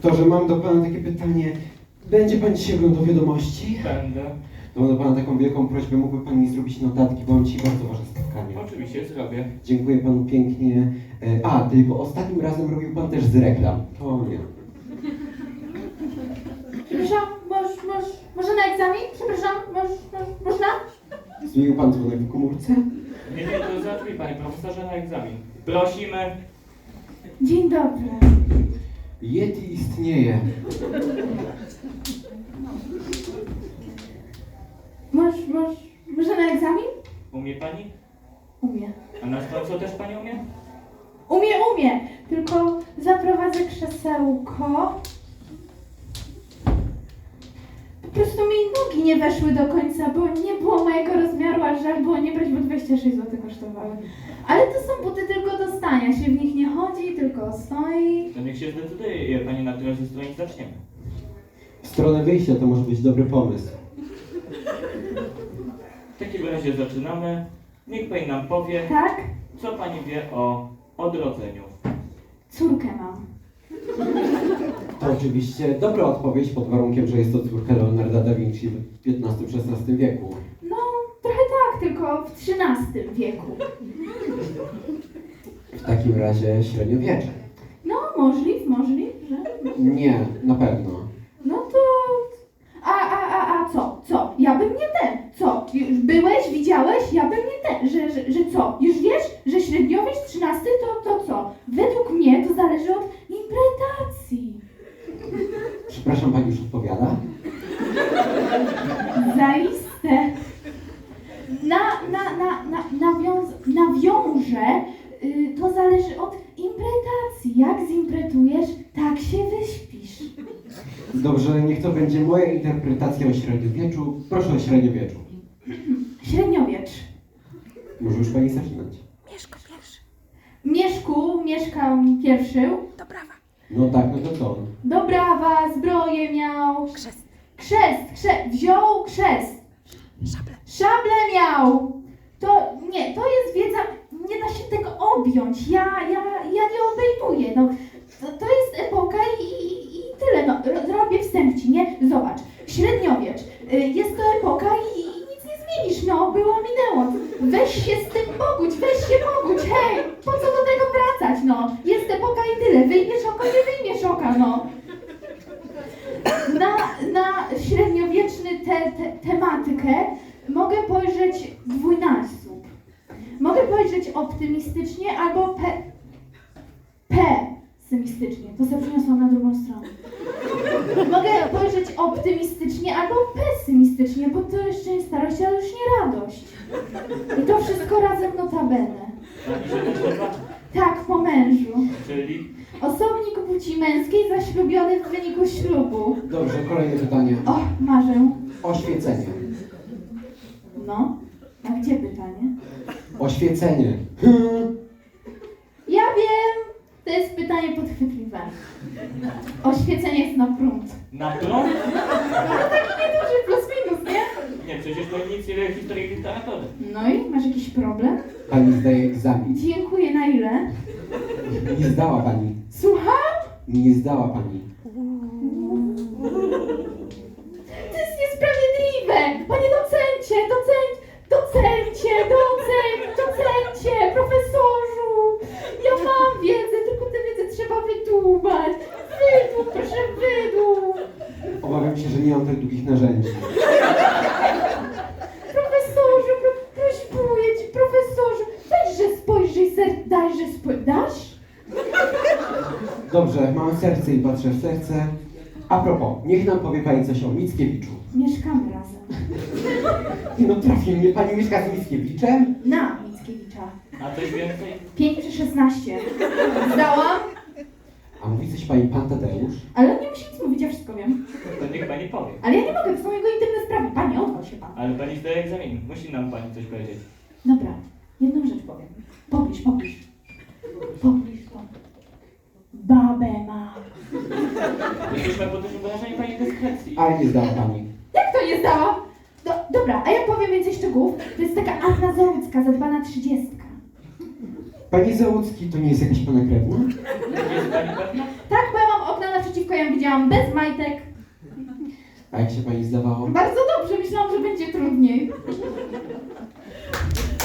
Doktorze, mam do pana takie pytanie. Będzie pan dzisiaj oglądał wiadomości? Będę. No, mam do pana taką wielką prośbę, mógłby pan mi zrobić notatki, bo mam dzisiaj bardzo ważne spotkanie. Oczywiście zrobię. Dziękuję panu pięknie. Tylko ostatnim razem robił pan też z reklam. To nie. Przepraszam, może na egzamin? Przepraszam, można? Zmienił pan dzwonek w komórce? Nie, to załatwi panie profesorze na egzamin. Prosimy. Dzień dobry. Yeti istnieje. Może na egzamin? Umie pani? Umie. A na co też pani umie? Umie. Tylko zaprowadzę krzesełko. Po prostu mi nogi nie weszły do końca, bo nie było mojego rozmiaru, a żal było nie brać, bo 26 zł kosztowały. Ale to są buty tylko do stania, się w nich nie chodzi, tylko stoi. To niech się zdecyduje pani, na której ze strony zaczniemy. W stronę wyjścia to może być dobry pomysł. W takim razie zaczynamy. Niech pani nam powie, Tak? co pani wie o odrodzeniu. Córkę mam. To oczywiście dobra odpowiedź pod warunkiem, że jest to córka Leonarda da Vinci w XV-XVI wieku. No, trochę tak, tylko w XIII wieku. W takim razie średiowiecze. No, możliw, że... Nie, na pewno. No to... A co? Ja bym nie ten. Co? Już byłeś, widziałeś? Ja bym nie ten. Że co? Już wiesz, że średniowiec XIII to co? Według mnie to zależy od interpretacji. Przepraszam, pani już odpowiada? Zaiste. Nawiążę, to zależy od interpretacji. Jak zimpretujesz, tak się wyśpisz. Dobrze, niech to będzie moja interpretacja o średniowieczu. Proszę o średniowieczu. Średniowiecz. Może już pani zaczynać. Mieszko pierwszy. Mieszku mieszkał pierwszy. Do brawa. No tak, no to co? Do brawa, zbroję miał. Krzest. Wziął krzest. Szable. Szable miał. To jest wiedza, nie da się tego objąć. Ja nie obejmuję. No, to jest epoka i tyle. No, robię wstęp ci, nie? Zobacz. Średniowiecz. Jest to epoka i nic nie zmienisz. No, było, minęło. Weź się z tym pogódź, hej! Po co do tego wracać, no? Jest epoka i tyle. Wyjmiesz oko, nie wyjmiesz oka, no. Na średniowieczny tematykę mogę spojrzeć dwójnasób. Mogę spojrzeć optymistycznie albo pesymistycznie. To sobie przyniosłam na drugą stronę. Mogę spojrzeć optymistycznie albo pesymistycznie, bo to jeszcze nie starość, ale już nie radość. I to wszystko razem notabene. Pani się też nazywa? Tak, po mężu. Czyli Osobnik płci męskiej zaślubiony w wyniku ślubu. Dobrze, kolejne pytanie. O, marzę. Oświecenie. No, a gdzie pytanie? Oświecenie. Ja wiem, to jest pytanie podchwytliwe. Oświecenie jest na prąd. na prąd? No taki nieduży plus minus, nie? Nie, przecież to nic nie wie historii literatury. No i masz jakiś problem? Pani zdaje egzamin. Dziękuję, na ile? Nie zdała pani. Słucham? Nie zdała pani. To jest niesprawiedliwe! Panie docencie, profesorzu! Ja mam wiedzę, tylko tę wiedzę trzeba wydłubać. Wydłub, proszę, wydłub! Obawiam się, że nie mam tak długich narzędzi. Profesorze, prośbuję cię, profesorze, weźże spojrzyj, dajże spojrzyj, dasz? Dobrze, mam serce i patrzę w serce. A propos, niech nam powie pani coś o Mickiewiczu. Mieszkamy razem. No trafi mnie, pani mieszka z Mickiewiczem? Na Mickiewicza. A coś więcej? 5/16. Zdałam? A mówi coś pani pan Tadeusz? Ale on nie musi nic mówić, ja wszystko wiem. To niech pani powie. Ale ja nie mogę, to są jego intymne sprawy. Panie, odwal się pan. Ale pani zdaje egzamin. Musi nam pani coś powiedzieć. Dobra, jedną rzecz powiem. Pobliż. Babę ma. Jesteśmy pod dużym wrażeniem pani dyskrecji. Ale nie zdała pani. Jak to nie zdałam? Dobra, a ja powiem więcej szczegółów. To jest taka Anna Załucka, zadbana 30. Pani Załucki to nie jest jakaś pana krewna? Jest pani pewna? Tak, bo ja mam okna naprzeciwko, ja ją widziałam miałam bez majtek. A jak się pani zdawało? Bardzo dobrze, myślałam, że będzie trudniej.